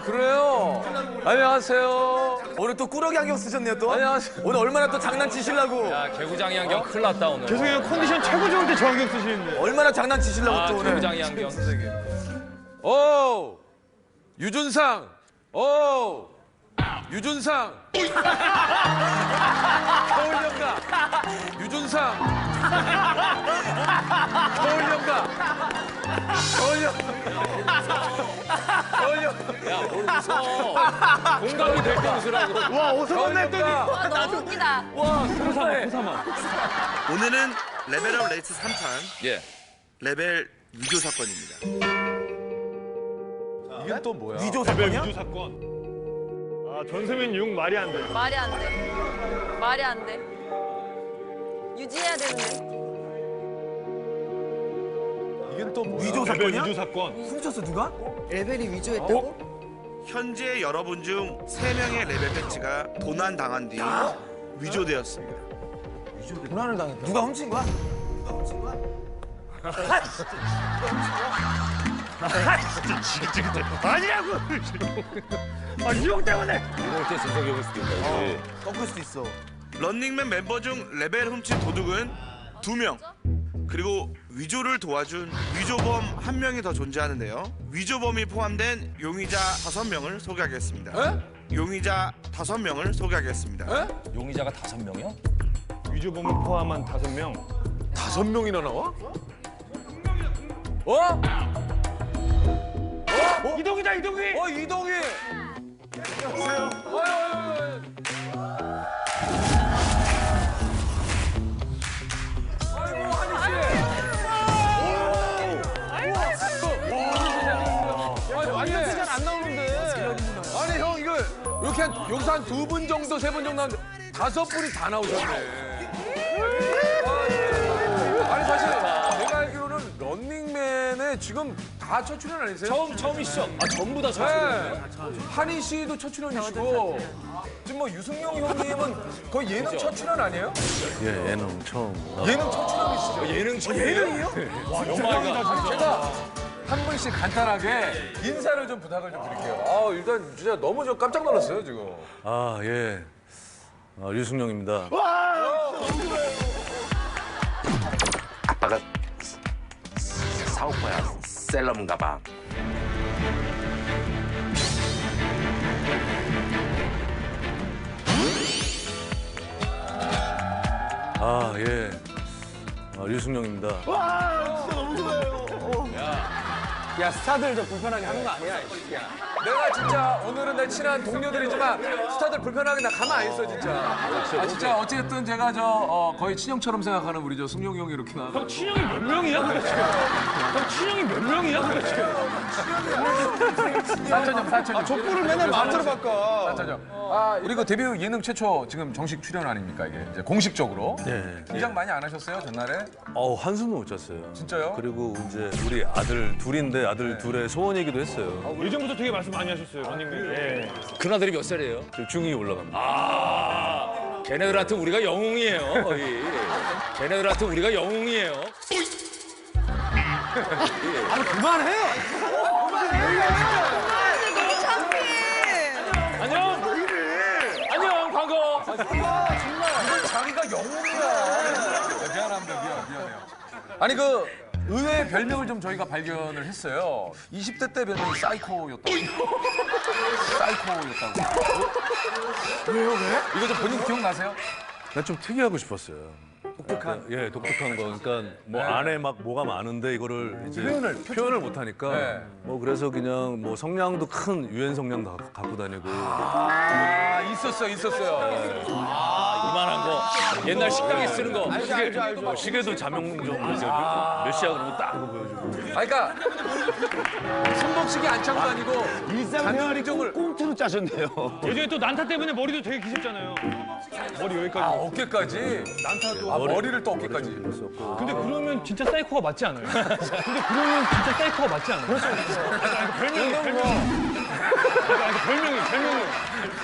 그래요. 안녕하세요. 오늘 또 꾸러기 안경 쓰셨네요 또. 안녕하세요. 오늘 얼마나 또 장난치시려고. 야, 개구장이 안경 큰일 났다, 오늘. 죄송해요, 컨디션 최고 좋을 때 저 안경 쓰시는데. 얼마나 장난치시려고 아, 또 오늘. 개구장이 안경. 오! 유준상! 오! 유준상! 서울연가! 유준상! 서울연가! 야, 뭘 웃어. 공감이 될 때 웃으라고. 와, 오성원 했더니. 와, 너무 웃기다. 와, 세상에. 오늘은 레벨업 레이스 3탄 예. 레벨 위조 사건입니다. 이게 또 뭐야? 위조 레벨 사건이야? 위조 사건. 아, 전세민 용 말이 안 돼. 말이 안 돼. 말이 안 돼. 유지해야 되는데. 이게 또 뭐야? 위조 레벨 사건이야? 위조 사건. 훔쳤어 누가? 레벨이 위조했다고? 현재 여러분 중 3명의 레벨 배치가 도난당한 뒤 위조되었습니다. 도난을 당했다. 누가 훔친 거야? 아니라고! 아, 이용 때문에! 꺾을 수도 있어. 런닝맨 멤버 중 레벨 훔친 도둑은 2명. 그리고 위조를 도와준 위조범 1명이 더 존재하는데요. 위조범이 포함된 용의자 5명을 소개하겠습니다. 에? 용의자 5명을 소개하겠습니다. 에? 용의자가 5명이요? 위조범을 포함한 5명. 5명이나 나와? 어? 이동이다, 이동이! 이동희! 안녕하세요. 아이고, 한희 씨. 완전 시간 안 나오는데. 아니, 형, 이거 이렇게 여기서 한 2분 정도, 3분 정도 하는데 5분이 다 나오셨네. 아니, 사실 내가 알기로는 런닝맨에 지금 다 첫 출연 아니세요? 처음이시죠? 아, 전부 다 네. 한희 씨도 첫 출연이시고 지금 뭐 유승용 형님은 거의 예능 첫 출연 아니에요? 예, 예능 처음. 예능 첫 출연이시죠? 예능 친구. 예능이요? 와, 영화가. 제가 한 분씩 간단하게 인사를 좀 부탁을 좀 드릴게요. 아, 일단 진짜 너무 저 깜짝 놀랐어요, 지금. 아, 예. 류승룡입니다. 아빠가 사오빠야 셀럽인가 봐. 아, 예. 류승룡입니다. 야 스타들 저 불편하게 하는 거 아니야? 내가 진짜 오늘은 내 친한 동료들이지만 스타들 불편하게 나 가만 안 있어, 진짜. 아, 진짜 어쨌든 제가 거의 친형처럼 생각하는 우리 저 승용이 형이 이렇게 나와. 형 친형이 몇 명이야, 도대체? 형 친형이 몇 명이야, 도대체? 사천형, 사천형. 족구를 맨날 만들어 바꿔. 사천형. 아, 우리 그 데뷔 예능 최초 지금 정식 출연 아닙니까, 이게? 이제 공식적으로. 예. 긴장 많이 안 하셨어요, 전날에? 한숨도 못 잤어요. 진짜요? 그리고 이제 우리 아들 둘인데 아들 둘의 소원이기도 했어요. 예전부터 되게 말씀 많이 하셨어요, 런닝맨. 예. 그나들이 몇 살이에요? 지금 중2 올라갑니다. 아, 걔네들한테 우리가 영웅이에요, 거의. 걔네들한테 우리가 영웅이에요. 그만해. 너무 창피해. 안녕! 안녕, 광고! 이건 자기가 영웅이야. 미안합니다, 미안해요. 아니, 그 의외의 별명을 좀 저희가 발견을 했어요. 20대 때 별명이 사이코였다고. 사이코였다고. 왜요, 왜? 이거 좀 본인 기억나세요? 난 좀 특이하고 싶었어요. 독특한? 예, 독특한 거. 그러니까 뭐 안에 막 뭐가 많은데 이거를 이제 표현을 못 하니까 네. 뭐 그래서 그냥 뭐 성량도 큰 유엔 성량도 갖고 다니고. 아, 있었어요. 이만한 거. 옛날 식당에 쓰는 거. 뭐 시계도 자명종 이렇게 몇 시야 그러면 딱 그거 보여주고. 아, 그러니까 손목시계 안창도 아니고 자명종을 꽁트로 짜셨네요. 예전에 또 난타 때문에 머리도 되게 기셨잖아요. 머리 여기까지. 어깨까지. 난타도. 아, 머리를 또 어깨까지. 근데 그러면 진짜 사이코가 맞지 않아요? 근데 그러면 진짜 사이코가 맞지 않아요? 그렇죠. 별명이. 별명이.